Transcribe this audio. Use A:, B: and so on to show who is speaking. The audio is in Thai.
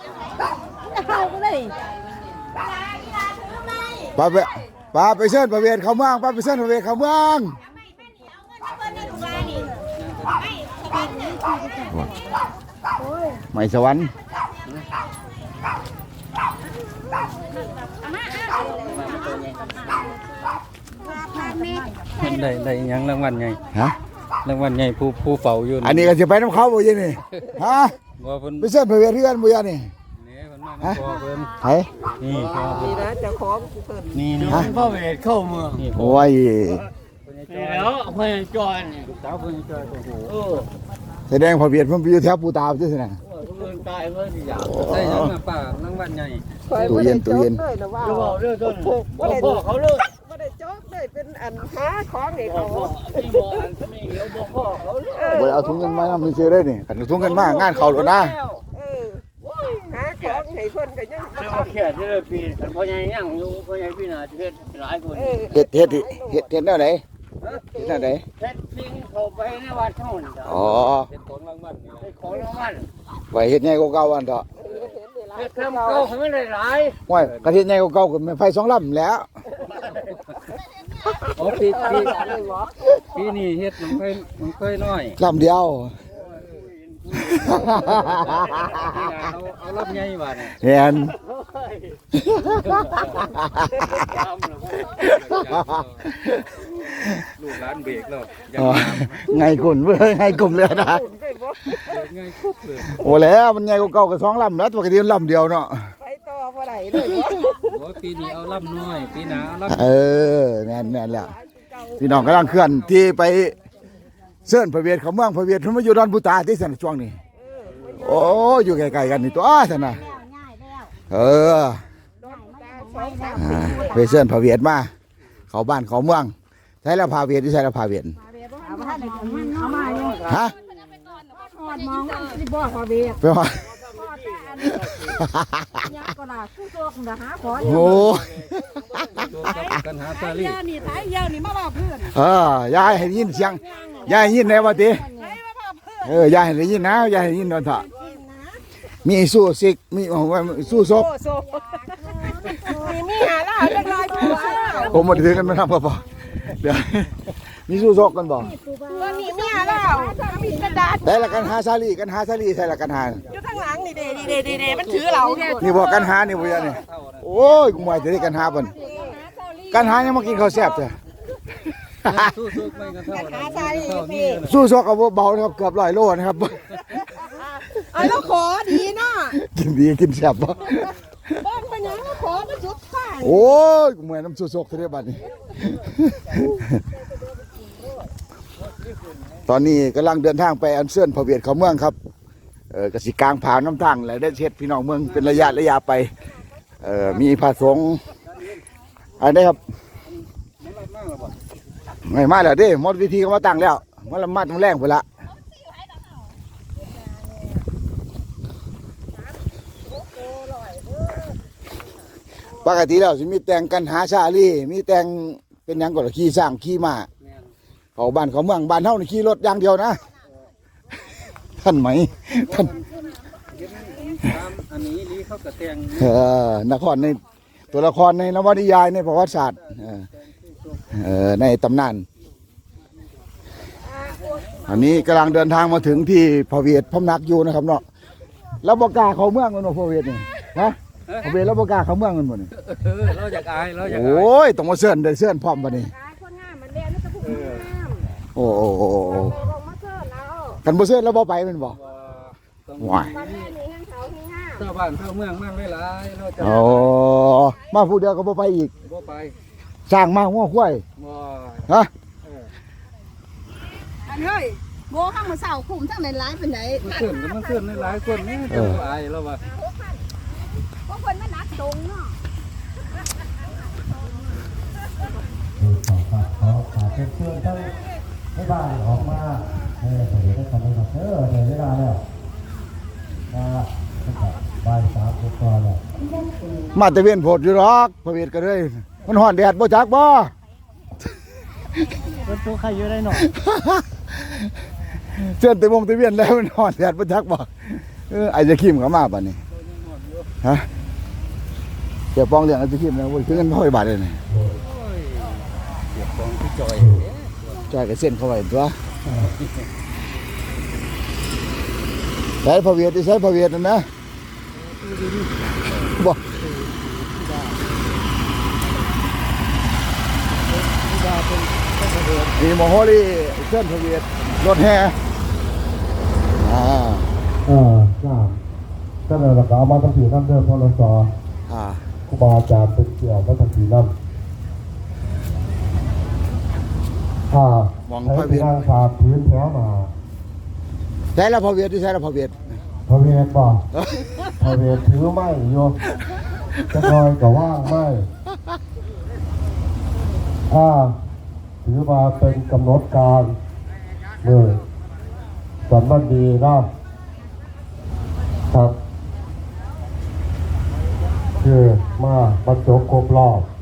A: ป้าไปเชิญประเวศเขาเมืองป้าไปเชิญประเวศเขาเมืองไม่สวรรค์
B: ได้ยังรางวัลไง
A: ฮะ
B: รางวัลไงผู้เฝ้าอยู่
A: อันนี้ก็จะไปน้ำเขาบ่ยังนี่ฮะไปเชิญประเวศเพื่อนบ่ยังนี่ฮะไผ
B: นี่
C: นะจะขอเพิ่น
B: นี่พ่อเวทเข้าเมือง
A: โอ้ย
B: แล้วเพื่อนจอยสาวเพื่อนจอยโอ้โห
A: แสดงพอเวียดมันไปอยู่แถวปูตาใช่ไหม
B: เพื่อนตายเพื่อนสิอยากได้ยังมาป่ารางวัลไง
A: ตู้เย็น
C: จะบอกเรื่องต้นพ่อเขาเลิกไม่ได้จอกได้เป็นอันหาของให้เขา
B: ที่บ่อันไม่เลี้ยวบ่พ่อเขาเลิก
A: บ่เอาถุงเงินมาไม่เชื่อได้นี่กันถุงเงินมางานเขาแล้วนะ
C: หาของให้เพิ่นก็ยัง
B: บ่แค่ที่ปีกันพ่อใหญ่ยังอยู่พ่อใหญ่พี่น่ะสิเฮ็ดหลายคน
A: เฮ็ดแนวไหนเฮ็ดแนวไหน
B: เฮ็ดสิ่งเข้าไปในวัดเฮานี่
A: อ๋อ
B: เฮ็ดของรางวัลเฮ็ดของรางวัล
A: ไว้เฮ็ดใหญ่กว่าเก่าอันเถาะ
B: เฮ็ดทำเก่าให้มันได้หลาย
A: โอ้ยกระเฮ็ดใหญ่กว่าเก่าก็แม่ไฟ2ลำแล้ว
B: โอ้ปีนี้เฮ็ดมันเคยน้อย
A: ลำเดียว
B: เอารถใหญ่บาด
A: เห็น
B: ลูกหลานเบรกแล้ว
A: ไงกุ่นเว้ยไงกลุ่มเลยนะ
B: ไงคุบเลย
A: โอ้แล้วมันใหญ่กว่าเก่าก็2ลำแล้วปกติลำเดียวเนาะ
C: ไปต่อบ่ได้เลย
B: โอ้ปีนี้เอาลำน้อยปีหน้าเอาล
A: ำแม่นแหละพี่น้องกำลังเคลื่อนที่ไปเชิญพระเวทเขาเมืองพระเวทเพิ่นมาอยู่ดอนปูตาที่สนช่วงนี้โอ้อยู่ใกล้ๆกันนี่ตัวท่านน่ะไปเชิญพระเวทมาเขาบ้านเขาเมืองใช้ละพาเวทที่ใช้ละพาเวทฮะ
C: มองที่บ่พาเวท
A: ไปว่าโอ้
B: กันหาซาลี่
C: นี่ท้ายยาวนี่มาบอกเพื่อน
A: ยายให้ยินเสียงยายยินแน่ว่าติยายให้ยินนะยายให้ยินนอนเถอะมีสู้ซิกมีสู้ซบ
C: มีหาล่าจังไร
A: ผมมาถือกันมาทำป่ะเดี๋ยวมีสู้ซกกันบ่
C: มีหาล่ามีกระดาษ
A: ได้ละกันหาซาลีใช่ละกันหา
C: อยู่ข้างหลังนี่เดมันถือเรา
A: นี่บอกกันหานี่บ่ยนี่โอ้ยกูไม่ได้กันหาเพิ่นกันหายังมากินข้าวแซ่บจ้ะสู้ซกกับเบานะครับเกือบ100 โลนะครับ
C: แล้วขอดีเนาะ
A: กินดีกินแซ่บบ่
C: บ้านปัญญาขอมาสุดท้าย
A: โอ้ยกูไม่น้ำสู้ซกเท่าบัดนี้ตอนนี้กำลังเดินทางไปอันเชิญพระเวทเขาเมืองครับกสิกลางผ่านน้ำทางและได้เช็ดพี่น้องเมืองเป็นระยะไปมีพระสงฆ์อันนี้ครับไม่มาแล้วดิหมดวิธีก็มาตั้งแล้วมันละมัดมันแรงไปละปกติแล้วจะมีแต่งกันหาชาลีมีแต่งเป็นยังก่อนขี่สร้างขี่ม้าเขาบ้านเขาเมืองบ้านเท่านี่ขี่รถอย่างเดียวนะท่านไหมท่าน
B: อันนี้ลีเขากระเตียง
A: นครในตัวละครในนวนิยายในประวัติศาสตร์ในตำนานอันนี้กำลังเดินทางมาถึงที่พระเวทพำนักอยู่นะครับเนาะแล้วบกาเขาเมืองกันเนาะพระเวทนี่ฮะพระเวทแล้วบกาเขาเมืองกันหมดนี่
B: เราอยากอาย
A: โอ้ยต้องมาเสื่อนได้เสื่อนพร้อมปะนี่โอ้กันบ่เสื่อนแล้วบ่ไปมันบ่ว้าย
B: เจ้าบ้านเจ้าเมืองมากหลายเราจะ
A: มาผู้เดียวก็บ่ไปอีก
B: บ่ไป
A: สร้างมาหัวควายฮะ
C: เฮ้ยโง่ข้างมือเสาคุมทั้งในร้านเป็นไหน
B: มันขึ้นในหลายคนนี่จะอายแล้ววะ
C: พวกคนมันนักตรงเนาะ
D: ขอเชิญทั้งให้บ้านออกมาสวัสดีทุกท่านนะครับในเวลาแล้วบ่าย3 กว่าแล้ว
A: มาตะเวียนโพดอยู่หรอกพระเวทก็เลยมันฮ้อนแดดบ่จักบ่
B: เป็นตัวใครอยู่ได้หน่อย
A: เชิญตะวงตะเวียนแล้วมันฮ้อนแดดบ่จักบ่ไอ้จะขิมเข้ามาบัดนี้ฮะเดี๋ยวปองเรื่องอะไรที่นะวันคือเงินพ่อยบาทเลยนี่
B: เดี๋ยวฟองพี่จอย
A: จ่ายกับเส้นเข้าไปตัวใช้พระเวียดที่ใช้พระเวียดนั่นนะบ่มีโมโหลีเส้นพระเวียดรถแห่
D: จ้าก็เลยเราก็เอามาตั้งสี่น้ำเด้อพอเราสอครูบาอาจารย์เป็นเกี่ยวกับตั้งสี่น้ำ
A: มอง
D: ใช้
A: พระ
D: เป็
A: เวี
D: น
A: ยด
D: ทางผ่านพื้นแถวมา
A: ใช้แล้วพระเวียดที่ใช้แล้วพระเวียด
D: พระเวทบ่พระเวทถือไม้โยจะคอยก็ว่างไม้ถือมาเป็นกำหนดการสันมันดีนะครับคือมาบรรจบครบรอบ